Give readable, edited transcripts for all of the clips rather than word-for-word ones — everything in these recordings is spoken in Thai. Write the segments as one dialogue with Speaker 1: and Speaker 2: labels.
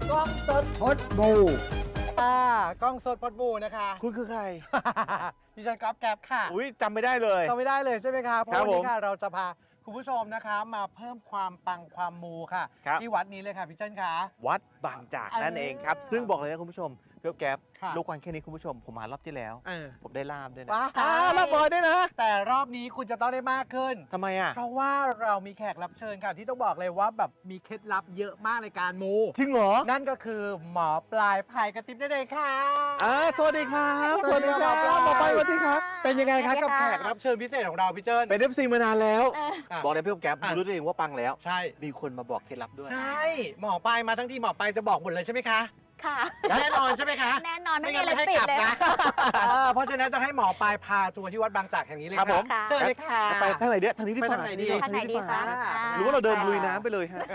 Speaker 1: กล้องสดพดบูกล้องสดพดบูนะคะ
Speaker 2: คุณคือใคร
Speaker 1: ดิฉันก๊อฟแก๊ปค่ะ
Speaker 2: อุ้ยจำไม่ได้เลย
Speaker 1: จำไม่ได้เลยใช่ไหมคะเพราะ
Speaker 2: ครับ
Speaker 1: วันนี้ค่ะ
Speaker 2: ผม
Speaker 1: เราจะพาคุณผู้ชมนะคะมาเพิ่มความปังความมูค่ะ
Speaker 2: ครับ
Speaker 1: ที่วัดนี้เลยค่ะพี่เจิ้นคะ
Speaker 2: วัดบางจากนั่นเองครับ ซึ่งบอกเลยนะคุณผู้ชมเกี๊ยวแก๊บ
Speaker 1: ค่ะ
Speaker 2: ลูกวันแค่นี้คุณผู้ชมผมมารอบที่แล้ว ผมได้ลาบด้วยนะ
Speaker 1: ว้าว
Speaker 2: ลาบบอยด้วยนะ
Speaker 1: แต่รอบนี้คุณจะต้องได้มากขึ้น
Speaker 2: ทำไมอ่ะ
Speaker 1: เพราะว่าเรามีแขกรับเชิญค่ะที่ต้องบอกเลยว่าแบบมีเคล็ดลับเยอะมากในการมู
Speaker 2: จริงเหรอ
Speaker 1: นั่นก็คือหมอปลายพายกระติบนั่นเองค่ะ
Speaker 2: สวัสดีครับ
Speaker 1: สวัสดีครับ
Speaker 2: หมอไปสวัสดีครับ
Speaker 1: เป็นยังไงคะกับ
Speaker 3: สวัสดี
Speaker 1: แข
Speaker 3: ค่ะ
Speaker 1: กรับเชิญพิเศษของเราพี่เจิ้น
Speaker 2: เป็น FC มานานแล้ว
Speaker 1: อ่ะ
Speaker 2: บอกเลยพี่แก๊ป
Speaker 1: อ่ะ
Speaker 2: รู้ตัวเองว่าปังแล้ว
Speaker 1: ใช่
Speaker 2: มีคนมาบอกเคล็ดลับด้วย
Speaker 1: ใช่หมอปลายมาทั้งทีหมอปลายจะบอกหมดเลยใช่ไหมคะ
Speaker 3: ค่ะ
Speaker 1: แน่นอนใช่ไหมคะ
Speaker 3: แน่นอนไม่มี
Speaker 1: งั้
Speaker 3: อะไร
Speaker 1: ให้
Speaker 3: ปิด
Speaker 1: กลับ
Speaker 3: เลย
Speaker 1: นะเพราะฉะนั้นจะให้หมอปลายพาทัวร์ที่วัดบางจากแห่งนี้เลย
Speaker 2: ครับผม
Speaker 3: ค่ะ
Speaker 1: เชิญเลยค่ะ
Speaker 2: ไปทางไหนเดียทางนี้ดีก
Speaker 1: ไป
Speaker 2: ว่า
Speaker 1: ทางไหนดี
Speaker 3: ทางไหนดีคะ
Speaker 2: หรือว่าเราเดินลุยน้ำไปเลยฮะ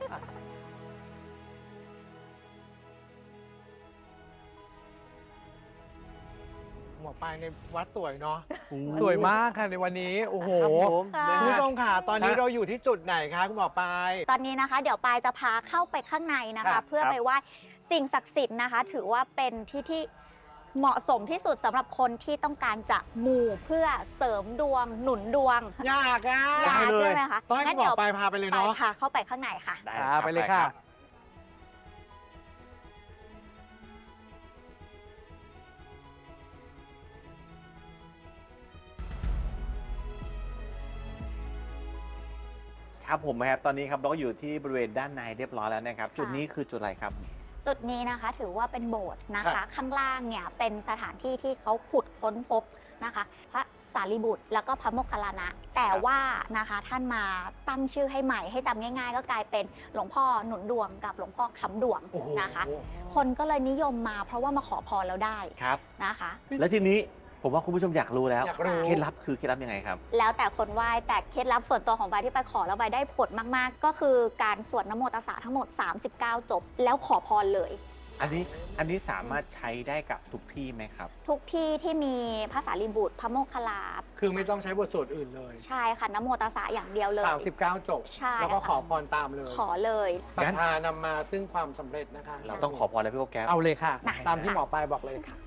Speaker 1: หมอปลายในวัดสวยเนาะ
Speaker 2: โอ้
Speaker 1: สวยมากค่ะในวันนี้โอ้โห
Speaker 2: ครับผม
Speaker 3: ค่ะ
Speaker 1: คุณผู้ช
Speaker 2: นะ
Speaker 1: มค่ะตอนนี้เราอยู่ที่จุดไหนคะคุณหมอปลาย
Speaker 3: ตอนนี้นะคะ เดี๋ยวปายจะพาเข้าไปข้างในนะ
Speaker 1: ครั
Speaker 3: คะ
Speaker 1: บ
Speaker 3: เพื่อไปไหว้สิ่งศักดิ์สิทธิ์นะคะ ถือว่าเป็นที่เหมาะสมที่สุดสำหรับคนที่ต้องการจะมูเพื่อเสริมดวงหนุนดวง
Speaker 1: ยากอ่ะ
Speaker 3: อยาก
Speaker 2: ได้เลย
Speaker 3: ใช่ไหมคะ
Speaker 1: ต้องให้
Speaker 3: งั้น
Speaker 1: หมอ
Speaker 3: เดี๋ยว
Speaker 1: ปลายพาไปเลย
Speaker 3: ปาย
Speaker 1: เนาะ
Speaker 3: พาเข้าไปข้างในค่ะ
Speaker 2: ได้
Speaker 1: ไปเลยค่ะ
Speaker 2: ครับผมนะครับตอนนี้ครับเราก็อยู่ที่บริเวณด้านในเรียบร้อยแล้วนะครับ จุดนี้คือจุดอะไรครับ
Speaker 3: จุดนี้นะคะถือว่าเป็นโบสถ์นะ
Speaker 1: ครั
Speaker 3: คะ
Speaker 1: บ
Speaker 3: ข้างล่างเนี่ยเป็นสถานที่ที่เขาขุดค้นพบนะคะ พระสารีบุตรแล้วก็พระโมคคัลลานะ แต่ว่านะคะท่านมาตั้งชื่อให้ใหม่ให้จำง่าย ๆ ก็กลายเป็นหลวงพ่อหนุนดวงกับหลวงพ่อค้ำดวง
Speaker 1: โอ้โห
Speaker 3: นะคะ คนก็เลยนิยมมาเพราะว่ามาขอพรแล้วได้
Speaker 2: ครับ
Speaker 3: นะคะ
Speaker 2: แล้วทีนี้ผมว่าคุณผู้ชมอยากรู้แล้ว
Speaker 1: อยากรู้
Speaker 2: เคล็ดลับคือเคล็ดลับยังไงครับ
Speaker 3: แล้วแต่คนไหว้แต่เคล็ดลับส่วนตัวของใบที่ไปขอแล้วใบได้ผลมากๆ ก็คือการสวดนโมตัสสะทั้งหมด 39 จบ แล้วขอพรเลย
Speaker 2: อันนี้สามารถใช้ได้กับทุกที่ไหมครับ
Speaker 3: ทุกที่ที่มีพระสารีบุตรพระโมคคัลลา
Speaker 1: คือไม่ต้องใช้บทสวดอื่นเลย
Speaker 3: ใช่ค่ะนโมตัสสะอย่างเดียวเลย
Speaker 1: 39 จบ
Speaker 3: ใช่
Speaker 1: แล้วก็
Speaker 3: ค่ะ
Speaker 1: ขอพรตามเลย
Speaker 3: ขอเลย
Speaker 1: ศรัทธานำมาซึ่งความสำเร็จนะคะ
Speaker 2: เราต้องขอพรแล้วพี่โอแก๊ป
Speaker 1: เอาเลยค่ะ
Speaker 3: ได้
Speaker 1: ตามที่หมอปลายบอกเลยค่ะ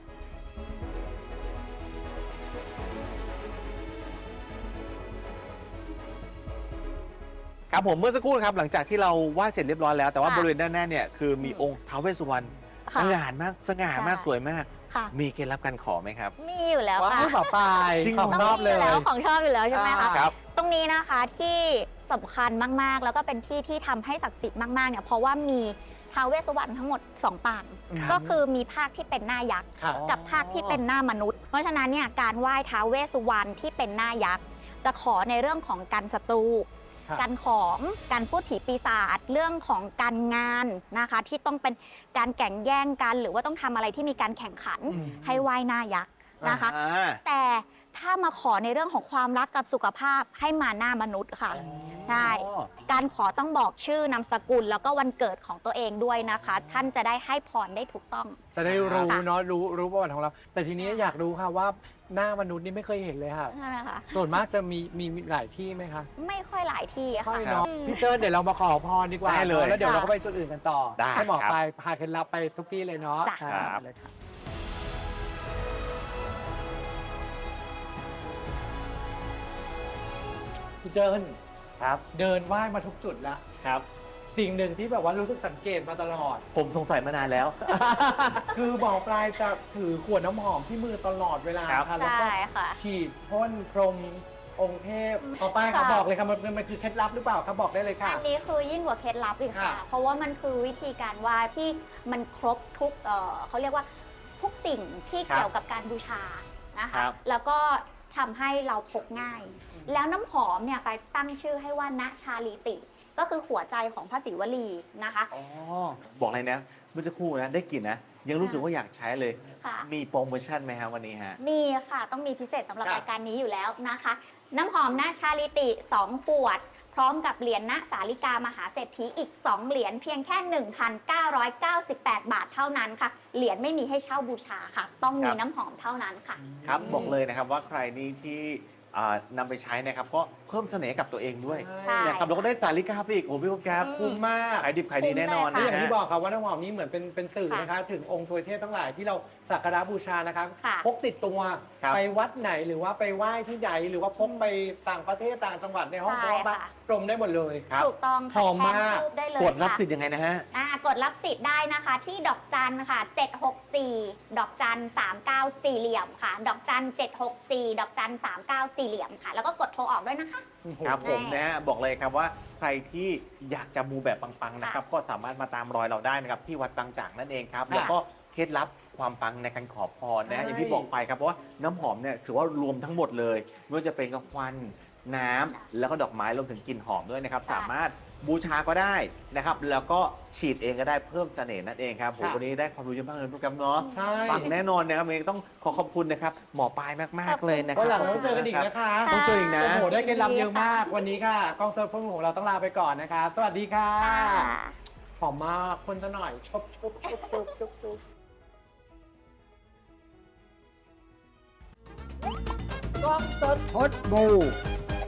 Speaker 2: ครับผมเมื่อสักครู่ครับหลังจากที่เราไหว้เสร็จเรียบร้อยแล้วแต่ว่า
Speaker 3: ค่ะ
Speaker 2: บริเวณด้านหน้าเนี่ยคือมีองค์ท้าวเวสสุวรรณ
Speaker 3: ค่ะ
Speaker 2: สง่ามากสง่ามาก
Speaker 3: ใช่
Speaker 2: สวยมาก
Speaker 3: ค่ะ
Speaker 2: มีเคล็ดลับการขอไหมครับ
Speaker 3: มีอยู่แล้ว
Speaker 1: ว้า
Speaker 3: ค่ะ
Speaker 1: วหมอปลาย
Speaker 2: จริงเหร
Speaker 1: ของชอบเลย
Speaker 3: มีแล้วของชอบอยู่แล้วใช่ไหมคะ
Speaker 2: ครับ
Speaker 3: ตรงนี้นะคะที่สำคัญมากๆ แล้วก็เป็นที่ที่ทำให้ศักดิ์สิทธิ์มากๆเนี่ยเพราะว่ามีท้าวเวสสุวรรณทั้งหมด2 ปาง
Speaker 1: ครับ
Speaker 3: ก็คือมีภาคที่เป็นหน้ายักษ์
Speaker 1: ค่ะ
Speaker 3: กับภาคที่เป็นหน้ามนุษย์ เพราะฉะนั้นเนี่ยการไหว้ท้าวเวสสุวรรณที่เป็นหน้ายักษ์ จะขอในเรื่องของการศัตรู
Speaker 1: ครับ
Speaker 3: การของการพูดผีปีศาจเรื่องของการงานนะคะที่ต้องเป็นการแข่งแย่งกันหรือว่าต้องทำอะไรที่มีการแข่งขัน
Speaker 1: อืม
Speaker 3: ให้ไหว้หน้ายักษ์นะคะ
Speaker 2: อ่า
Speaker 3: แต่ถ้ามาขอในเรื่องของความรักกับสุขภาพให้มาหน้ามนุษย์ค่ะ ใช่
Speaker 2: อ๋อ
Speaker 3: การขอต้องบอกชื่อนามสกุลแล้วก็วันเกิดของตัวเองด้วยนะคะ ท่านจะได้ให้พรได้ถูกต้อง
Speaker 1: จะได้รู้
Speaker 3: ค่ะ
Speaker 1: เนาะรู้ประวัติของเรา แต่ทีนี้อยากรู้ค่ะว่าหน้ามนุษย์นี่ไม่เคยเห็นเลยค่ะ
Speaker 3: ใช่ไหมคะ
Speaker 1: ส่วนมากจะมีหลายที่ไหมคะ
Speaker 3: ไม่ค่อยหลายที่
Speaker 1: ค่อ
Speaker 3: ค่ะ
Speaker 1: ยเนาะ
Speaker 3: อืม
Speaker 1: พี่เจิ้นเดี๋ยวเรามาขอพรดีกว่า
Speaker 2: ได้เลย
Speaker 1: เนอะแล้วเดี๋ยวเราก็ไปจุดอื่นกันต่อ
Speaker 2: ได้
Speaker 1: ให้หมอ
Speaker 2: ครับ
Speaker 1: ปลายพาเคล็ดลับไปทุกที่เลยเนาะ
Speaker 3: จ้ะ
Speaker 1: ครับเลยค่ะพี่เจิ้น
Speaker 2: ครับ
Speaker 1: เดินไหว้มาทุกจุดแล้ว
Speaker 2: ครับ
Speaker 1: สิ่งหนึ่งที่แบบว่ารู้สึกสังเกตมาตลอด
Speaker 2: ผมสงสัยมานานแล้ว
Speaker 1: คือหมอปลายจะถือขวดน้ำหอมที่มือตลอดเวลา
Speaker 2: ครับ
Speaker 1: ค่ะแล้วก็
Speaker 3: ใช่ค่ะ
Speaker 1: ฉีดพ่นพรมองค์เทพหมอปลาย
Speaker 3: ค่ะ
Speaker 1: เขาบอกเลยค่ะมันคือเคล็ดลับหรือเปล่าครับบอกได้เลยค่ะ
Speaker 3: อันนี้คือยิ่งกว่าเคล็ดลับอีกค่ะ
Speaker 1: ค่ะ
Speaker 3: เพราะว่ามันคือวิธีการไหว้ที่มันครบทุกเขาเรียกว่าทุกสิ่งที่
Speaker 2: ครับ
Speaker 3: เกี่ยวกับการบูชานะ
Speaker 2: ครั
Speaker 3: คะ
Speaker 2: บ
Speaker 3: แล้วก็ทำให้เราพกง่าย แล้วน้ำหอมเนี่ยไปตั้งชื่อให้ว่าณชาลีติ ก็คือหัวใจของพระศิวลีนะคะ
Speaker 2: อ๋อบอกเลยนะเมื่อสักครู่นะได้กลิ่นนะ ยังรู้สึกว่าอยากใช้เลย
Speaker 3: ค่ะ
Speaker 2: มีโปรโมชั่นไหมครับวันนี้ฮะ
Speaker 3: มีค่ะต้องมีพิเศษสำหรับ
Speaker 1: ครับ
Speaker 3: รายการนี้อยู่แล้วนะคะ น้ำหอมณชาลิติ 2 ขวด พร้อมกับเหรียญณสาลิกามหาเศรษฐีอีก 2 เหรียญเพียงแค่ 1,998 บาทเท่านั้นค่ะ เหรียญไม่มีให้เช่าบูชาค่ะ ต้องมี
Speaker 2: ครับ
Speaker 3: น้ำหอมเท่านั้นค่ะ
Speaker 2: ครับบอกเลยนะครับว่าใครนี่ที่นำไปใช้นะครับก็เพิ่มเสน่ห์กับตัวเองด้วย
Speaker 3: ใช่
Speaker 2: นะครับเราก็ได้สาลิกาไปอีกโอ้โหพี่โปรแกรม
Speaker 1: คุ้มมาก
Speaker 2: ขายดิบขายดีแน่นอน
Speaker 3: คุ้
Speaker 1: นี่
Speaker 3: ม
Speaker 2: นะ
Speaker 1: อย่าง
Speaker 2: ฮะ
Speaker 1: ที่บอกครับว่าน้ำหอมนี้เหมือนเป็นสื่อ
Speaker 3: ค่ะ
Speaker 1: นะคะถึงองค์ทวยเทพทั้งหลายที่เราสักการะบูชานะครับ
Speaker 3: ค่ะ
Speaker 1: พกติดตัว
Speaker 2: ครับ
Speaker 1: ไปวัดไหนหรือว่าไปไหว้ที่ใดหรือว่าพกไปต่างประเทศต่างจังหวัดในห้อง
Speaker 3: ใช่
Speaker 1: พระ
Speaker 3: ค่ะ
Speaker 1: กรมได้หมดเลย
Speaker 2: ครับ
Speaker 3: ถูกต้อง
Speaker 1: หอมมาก
Speaker 3: แทนรูปได้เลย
Speaker 2: กดรับ
Speaker 3: ค่ะ
Speaker 2: สิทธิ์ยังไงนะฮะ
Speaker 3: กดรับสิทธิ์ได้นะคะที่ดอกจันค่ะ764 ดอกจัน39 สี่เหลี่ยมค่ะ ดอกจัน764 ดอกจัน39 สี่เหลี่ยมค่ะ แล้วก็กดโทรออกด้วยนะคะ
Speaker 2: ครับผม
Speaker 3: แน่
Speaker 2: นะฮะบอกเลยครับว่าใครที่อยากจะมูแบบปังๆนะครับ ก็สามารถมาตามรอยเราได้นะครับที่วัดบางจากนั่นเองครับ
Speaker 1: ค่ะ
Speaker 2: แล้วก็เคล็ดลับความปังในการขอพรนะฮะ
Speaker 1: ใช่
Speaker 2: อย่างที่บอกไปครับเพราะว่าน้ำหอมเนี่ยถือว่ารวมทั้งหมดเลยไม่ว่าจะเป็นกับควันน้ำแล้วก็ดอกไม้รวมถึงกลิ่นหอมด้วยนะครับ
Speaker 3: ใช่
Speaker 2: สามารถบูชาก็ได้นะครับแล้วก็ฉีดเองก็ได้เพิ่มเสน่ห์นั่นเองครับผมวันนี้ได้ความรู้เยอะมากเลยทุกครับเนาะ
Speaker 1: ใช่
Speaker 2: ปังแน่นอนนะครับเองต้องขอขอบคุณนะครับหมอปลายมากๆเลยนะครั
Speaker 1: วันหลังเราต้องเจอกันอีก
Speaker 2: รับ
Speaker 1: นะคะ
Speaker 2: ต้องเจออีกนะ
Speaker 1: โอ้โหได้เคล็ดลับเยอะมากวันนี้ค่ะกล้องเซิร์ฟของเราต้องลาไปก่อนนะคะ สวัสดีค่ะ
Speaker 3: ค่ะ
Speaker 1: หอมมากคนจะหน่อยชบกล้องสด
Speaker 4: พดบู